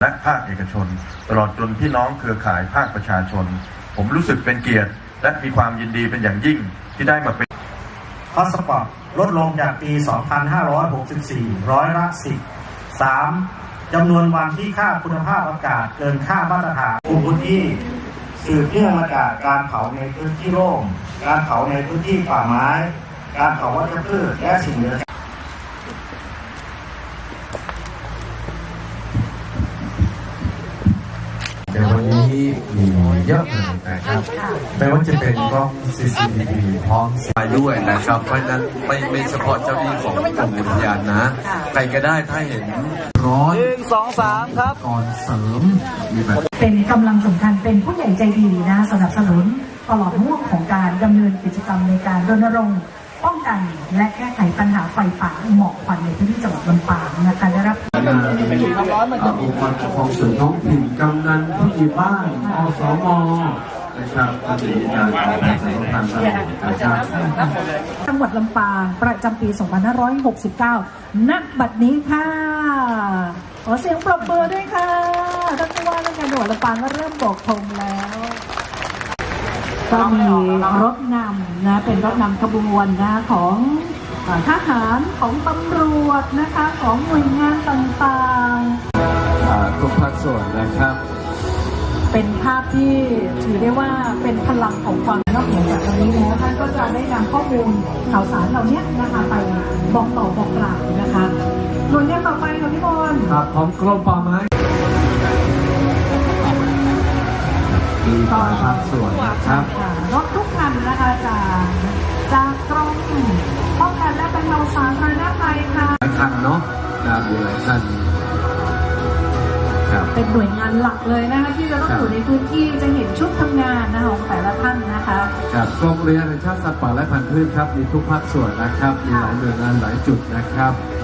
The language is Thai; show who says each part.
Speaker 1: และภาคเอกชนตลอดจนพี่น้องเครือข่ายภาคประชาชนผมรู้สึกเป็นเกียรติและมีความยินดีเป็นอย่างยิ่งที่ได้มาเป็น
Speaker 2: ฮอตสปอตลดลงจากปี 2564 ร้อยละ 10 3. จำนวนวันที่ค่าคุณภาพอากาศเกินค่ามาตรฐานพื้นที่สืบเนื่องมาจากการเผาในพื้นที่โล่งการเผาในพื้นที่ป่าไม้การเผาวัชพืชและสิ่งเหลือ
Speaker 3: เดี๋ยววันนี้มีเยอะเลยนะครับไม่ว่าจะเป็นกล้อง CCTV พร้อมไปด้วยนะครับเพราะฉะนั้นไม่เฉพาะเจ้าหน้าที่ของกรมอุทยานนะใครก็ได้ถ้าเห็นร้อย
Speaker 4: 1 2 3ครับ
Speaker 3: ก่อนเสริมมีแบบ
Speaker 5: เป็นกำลังสำคัญเป็นผู้ใหญ่ใจดีนะสนับสนุนตลอดห่วงของการดำเนินกิจกรรมในการรณรงค์ป้องกันและแก้ไขปัญหาไฟป่าหมอกควันในพื้นที่จังหวัดลำปางนะคะได้รับ
Speaker 3: องค์กรปกครองส่วนท้องถิ่นกำนันผู้ใหญ่บ้านอสม.นะครับก็จะมีการประชาสัมพันธ์นะครับ
Speaker 5: จังหวัดลำปางประจำปี 2569 ณ บัดนี้ค่ะขอเสียงปรบมือด้วยค่ะท่านผู้ว่าราชการจังหวัดลำปางก็เริ่มโบกธงแล้วก็มีรถนำนะเป็นรถนำขบวนนะของทหารของตำรวจนะคะของหน่วยงานต่าง
Speaker 3: ๆทุกภาคส่วนนะครับ
Speaker 5: เป็นภาพที่ถือได้ว่าเป็นพลังของความนอกเหนือจากตรงนี้แล้วท่านก็จะได้นำข้อมูลข่าวสารเหล่านี้นะคะไปบอกต่อบอกกล่าวนะคะหน่วยงานต่อไปค่ะพี่บอล
Speaker 3: ครับของกรมป่าไม้มีหลายภาคส่วนนะครับ
Speaker 5: รถทุกคันนะคะจากกรมป้องกันและบรรเทาสาธารณภัยค่ะ
Speaker 3: หลายคันเนาะมีหลายคัน
Speaker 5: เป็นหน่วยงานหลักเลยนะคะที่จะต้องอยู่ในพื้นที่จะเห็นชุดทำงานนะคะของแต่ละท่านนะคะ
Speaker 3: ครับกรมอุทยานแห่งชาติสัตว์ป่าและพันธุ์พืชครับมีทุกภาคส่วนนะครับมีหลายหน่วยงานหลายจุดนะครับ